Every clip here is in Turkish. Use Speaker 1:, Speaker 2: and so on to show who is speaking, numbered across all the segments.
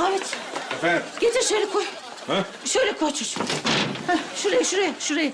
Speaker 1: Ahmet,
Speaker 2: Efendim?
Speaker 1: getir şöyle koy.
Speaker 2: Ha?
Speaker 1: Şöyle koy çocuğum. Heh, şuraya.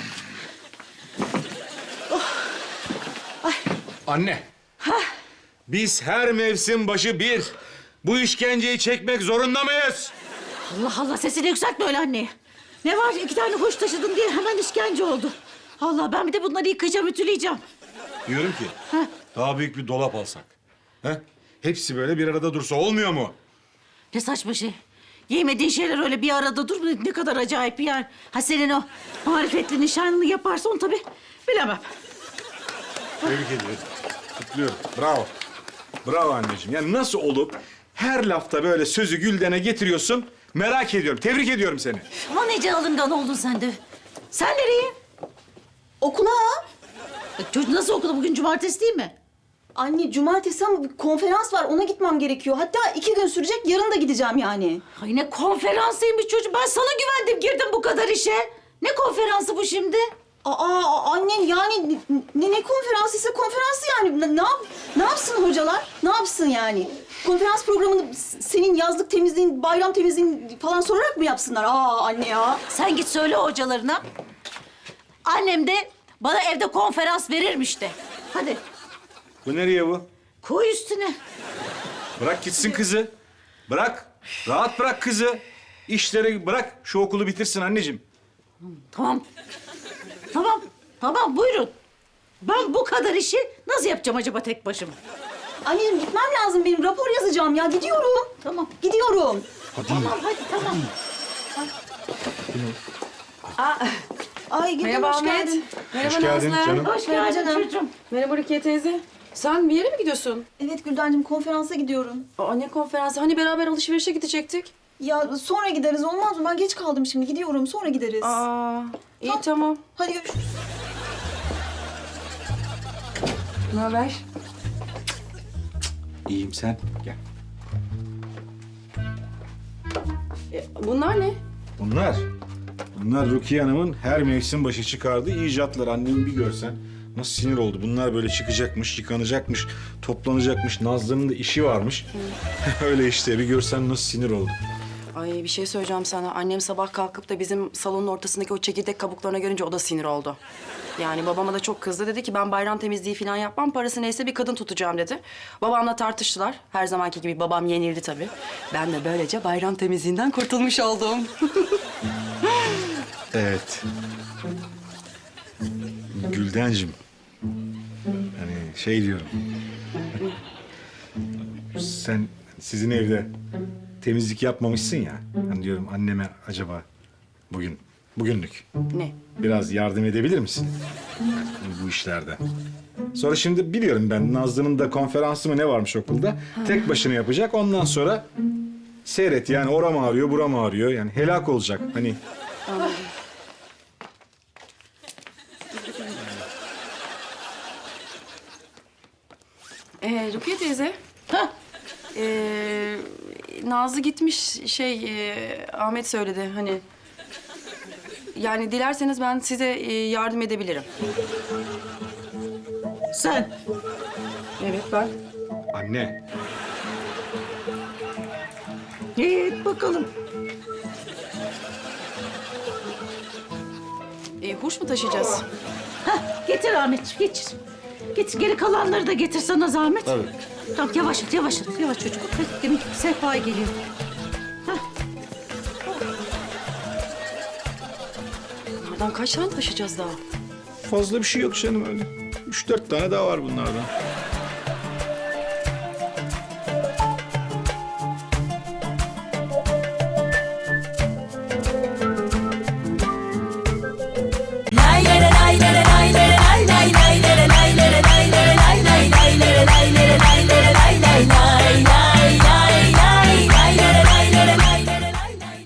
Speaker 2: Anne. Biz her mevsim başı bir bu işkenceyi çekmek zorunda mıyız?
Speaker 1: Allah Allah, sesini yükseltme öyle anneye. Ne var, 2 tane hoş taşıdım diye hemen işkence oldu. Allah, ben bir de bunları yıkayacağım, ütüleyeceğim.
Speaker 2: Diyorum ki
Speaker 1: Ha?
Speaker 2: daha büyük bir dolap alsak. He? Hepsi böyle bir arada dursa olmuyor mu?
Speaker 1: Ne saçma şey. Giymediğin şeyler öyle bir arada dur. Ne kadar acayip bir yer. Ha, senin o marifetli nişanlını yaparsa onu tabii bilemem.
Speaker 2: Tebrik ediyorum. Kutluyorum. Bravo. Bravo anneciğim. Yani nasıl olup her lafta böyle sözü güldene getiriyorsun merak ediyorum. Tebrik ediyorum seni.
Speaker 1: Aman nece alıngan oldun sen de. Sen nereye?
Speaker 3: Okula.
Speaker 1: Çocuk nasıl okula? Bugün cumartesi değil mi?
Speaker 3: Anne cumartesi ama bir konferans var ona gitmem gerekiyor. Hatta 2 gün sürecek yarın da gideceğim yani.
Speaker 1: Ay ne konferansıymış çocuk. Ben sana güvendim, girdim bu kadar işe. Ne konferansı bu şimdi?
Speaker 3: Anne yani ne konferansıysa konferansı yani. Ne yapsın hocalar? Ne yapsın yani? Konferans programını senin yazlık temizliğin, bayram temizliğin falan sorarak mı yapsınlar? Anne ya.
Speaker 1: Sen git söyle hocalarına. Annem de bana evde konferans verirmiş de. Hadi
Speaker 2: Bu nereye bu?
Speaker 1: koy üstüne.
Speaker 2: Bırak gitsin kızı. Bırak. Rahat bırak kızı. İşleri bırak. Şu okulu bitirsin anneciğim.
Speaker 1: Tamam. Tamam buyurun. Ben bu kadar işi nasıl yapacağım acaba tek başıma?
Speaker 3: Anneciğim gitmem lazım benim. Rapor yazacağım ya. Gidiyorum.
Speaker 1: Tamam.
Speaker 3: Gidiyorum.
Speaker 1: Tamam hadi tamam.
Speaker 3: Ay Gülden
Speaker 4: Merhaba
Speaker 3: hoş
Speaker 4: Ahmet.
Speaker 3: geldin.
Speaker 4: Merhaba
Speaker 2: Hoş geldin
Speaker 4: Nazlı.
Speaker 2: canım.
Speaker 1: Hoş geldin çocuğum.
Speaker 4: Merhaba Rukiye teyze. Sen bir yere mi gidiyorsun?
Speaker 3: Evet Güldencim konferansa gidiyorum.
Speaker 4: Aa, ne konferansı? Hani beraber alışverişe gidecektik?
Speaker 3: Ya sonra gideriz olmaz mı? Ben geç kaldım şimdi. Gidiyorum sonra gideriz.
Speaker 4: Aa, iyi tamam.
Speaker 3: Hadi görüşürüz.
Speaker 4: Ne haber?
Speaker 2: İyiyim sen. Gel.
Speaker 4: Bunlar ne?
Speaker 2: Bunlar Rukiye Hanım'ın her mevsim başı çıkardığı icatlar. Annemi bir görsen nasıl sinir oldu. Bunlar böyle çıkacakmış, yıkanacakmış, toplanacakmış. Nazlı'nın da işi varmış. Öyle işte bir görsen nasıl sinir oldu.
Speaker 4: Ay bir şey söyleyeceğim sana. Annem sabah kalkıp da bizim salonun ortasındaki o çekirdek kabuklarına görünce o da sinir oldu. Yani babama da çok kızdı. Dedi ki ben bayram temizliği falan yapmam. Parası neyse bir kadın tutacağım dedi. Babamla tartıştılar. Her zamanki gibi babam yenildi tabii. Ben de böylece bayram temizliğinden kurtulmuş oldum.
Speaker 2: Evet. Güldencim. Hani şey diyorum. Sen sizin evde temizlik yapmamışsın ya. Hani diyorum anneme acaba bugünlük
Speaker 4: Ne?
Speaker 2: biraz yardım edebilir misin? Bu işlerde. Sonra şimdi biliyorum ben Nazlı'nın da konferansı mı ne varmış okulda. Tek başına yapacak. Ondan sonra seyret yani oram ağrıyor, buram ağrıyor. Yani helak olacak. Hani
Speaker 4: Rukiye teyze.
Speaker 1: Hah.
Speaker 4: Nazlı gitmiş Ahmet söyledi hani. Yani dilerseniz ben size yardım edebilirim.
Speaker 1: Sen.
Speaker 4: Evet ben.
Speaker 2: anne.
Speaker 1: Evet bakalım.
Speaker 4: Huş mu taşıyacağız?
Speaker 1: Hah, getir Ahmetciğim getir. Getir geri kalanları da getir sana zahmet.
Speaker 2: Tabii.
Speaker 1: Tamam yavaş at yavaş çocuk. Hadi, demin sehpa geliyor.
Speaker 4: Bunlardan kaç tane taşıyacağız daha?
Speaker 2: Fazla bir şey yok canım öyle. 3-4 tane daha var bunlardan.